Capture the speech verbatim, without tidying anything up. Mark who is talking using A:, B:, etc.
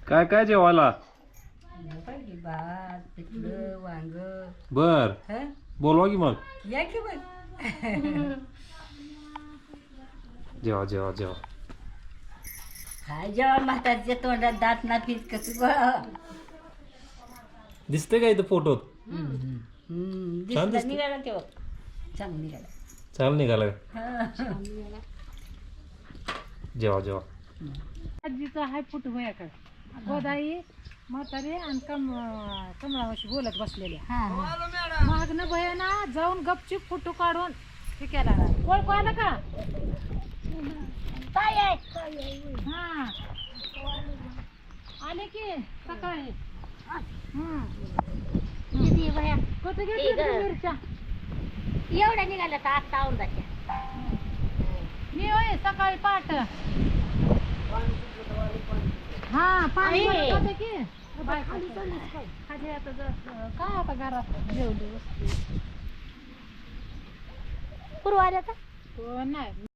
A: काय काय जेवायला?
B: भात पिठलं वांग.
A: बर बोलवा की मग.
B: या की मग.
A: जेवा जेवा जेवा.
B: हा जेव्हा म्हातारच्या तोंडात दात ना पीत कसं गोळा.
A: दिसते का इथं फोटोत? छान दिसतं.
B: निघाला तेव्हा चांगलं निघाला.
A: चाल निघाला. जेवा जेवा.
C: आजीचा हाय फोटो भयाकडे गोदाई म्हातारी आणि कम कमळावाशी बोलत बसलेल्या मग ना भयाना जाऊन गपचूप फोटो काढून हे केला. ओळखू आलं का? हा आले की सकाळी. कुठे घेतली मिरच्या?
B: एवढ्या निघाल्या तर आत्ता औंदाच्या.
C: मी होय सकाळी पाठ. हा पाणी होते की खाली आता काय आता घरात जेवली वस्तू
B: पूर्व आल्या का?
C: नाही.